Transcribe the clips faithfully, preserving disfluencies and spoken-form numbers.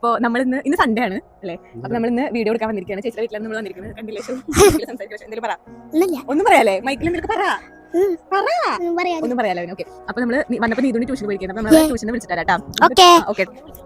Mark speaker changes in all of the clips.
Speaker 1: അപ്പോൾ നമ്മൾ ഇന്ന് ഇന്ന് സൺഡേ ആണ് അല്ലേ? അപ്പൊ നമ്മൾ ഇന്ന് വീഡിയോ എടുക്കാൻ വന്നിരിക്കുകയാണ്. ചേച്ചിയുടെ വീട്ടിലാണ് നമ്മൾ വന്നിരിക്കുന്നത്. കണ്ടില്ലേ? എന്തെങ്കിലും പറ. ഒന്നും പറയാല്ലേ? മൈക്കിൽ എന്തെങ്കിലും പറ. ഒന്നും പറയാലോ. ഓക്കെ, അപ്പൊ നമ്മള് വന്നപ്പോ നീതുണി ട്യൂഷൻ പോയിരിക്കുന്നത്. അപ്പൊ നമ്മള് ട്യൂഷന് വിളിച്ചിട്ടാ. ഓക്കെ,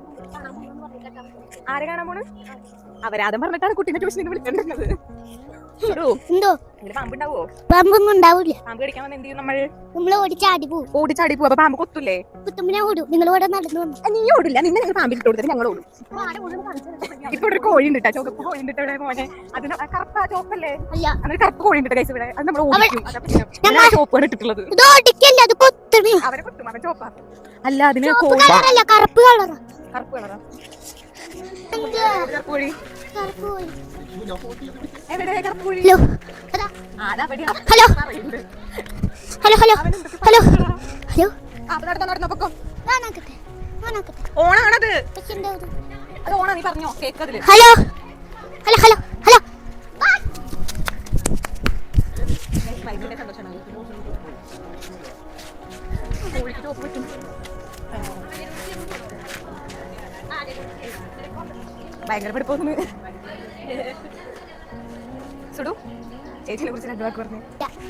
Speaker 1: ആരെ കാണാൻ പോണ്? അവരാദം പറഞ്ഞിട്ടാണ് കുട്ടീനെ ട്യൂഷനിൽ വിളിച്ചിട്ടുള്ളത്. പാമ്പുണ്ടാവോ?
Speaker 2: പാമ്പൊന്നും ഉണ്ടാവില്ല.
Speaker 1: പാമ്പ് കടിക്കാൻ വന്ന് എന്ത് ചെയ്യും നമ്മൾ?
Speaker 2: നമ്മള് ഓടിച്ചാടി പോകും.
Speaker 1: ഓടിച്ചാടി പോകും. അപ്പൊ പാമ്പ് കൊത്തൂലേ?
Speaker 2: കുത്തുമ്പിനെ ഓടും. നിങ്ങൾ ഓടെ നടന്നു വന്നു.
Speaker 1: നീ ഓടില്ല, നിന്നെ ഞങ്ങൾ പാമ്പിൽ ഇട്ട് കൊടുത്തിട്ട് ഞങ്ങൾ ഓടും. ഇപ്പൊ ഒരു കോഴി ഉണ്ട്, ചുവപ്പ് കോഴി ഉണ്ട് ഇവിടെ മോനെ. അതിന് കറുപ്പ ചോപ്പല്ലേ?
Speaker 2: അല്ല,
Speaker 1: അങ്ങനെ കറുപ്പ് കോഴി ഉണ്ട് കൈസ് ഇവിടെ. അത് നമ്മൾ ഓടിക്കും. ചോപ്പാണ് ഇട്ടിട്ടുള്ളത്. അവരെ കൊത്തും. അവൻ ചോപ്പാ. അല്ല, അതിന്
Speaker 2: കറുപ്പ് കളർ.
Speaker 1: കറുപ്പ് കളറാ കോഴി. എവിടെ കറുപ്പ് കോഴി?
Speaker 2: Hello hello hello hello hello.
Speaker 1: ഓണാണത്. അത് ഓണാ, നീ പറഞ്ഞോ കേക്കതില്.
Speaker 2: Hello hello hello hello.
Speaker 1: കോഴിക്ക് ചോപ്പ് പറ്റും. ഭയങ്കര പഠിപ്പൊന്ന് സുഡു ചേച്ചിനെ കുറിച്ച് രണ്ടു വാക്ക് പറഞ്ഞു.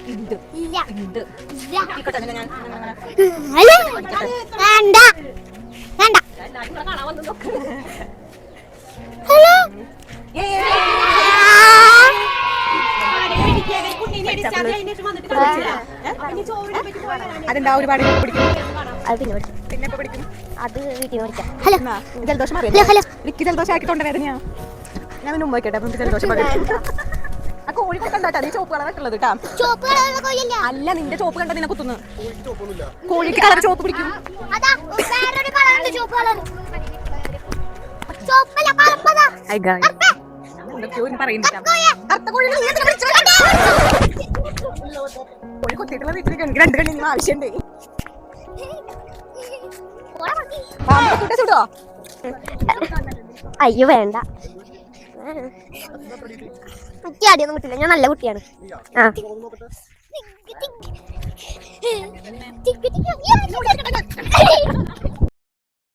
Speaker 1: അതെന്താ ഒരുപാട് പിടിക്കും? പിന്നെ പഠിക്കും.
Speaker 2: അത് വീട്ടിൽ പഠിക്കാം.
Speaker 1: ജലദോഷം എനിക്ക് ജലദോഷം ആക്കി തൊണ്ട വേദനയാ. ഞാൻ പിന്നെ ഉമ്മ വയ്ക്കട്ടെ. നമുക്ക് ജലദോഷം ആ കോഴി കൊണ്ടാട്ടാ നീ ചോപ്പ് കളറിട്ടുള്ളത് കേട്ടാ. അല്ല, നിന്റെ ചോപ്പ് കണ്ട നിന്നെ കുത്തുന്നു. കോഴിക്ക് കളർ ചോപ്പ് പിടിക്കും. കോഴി കൊത്തിയിട്ടുള്ള വീട്ടിലേക്ക് എനിക്ക് രണ്ട് കണ്ണി ആവശ്യമുണ്ട്. ചുടോ?
Speaker 2: അയ്യോ വേണ്ട, കുട്ടി ആടിയൊന്നും കിട്ടില്ല. ഞാൻ നല്ല കുട്ടിയാണ്. ആ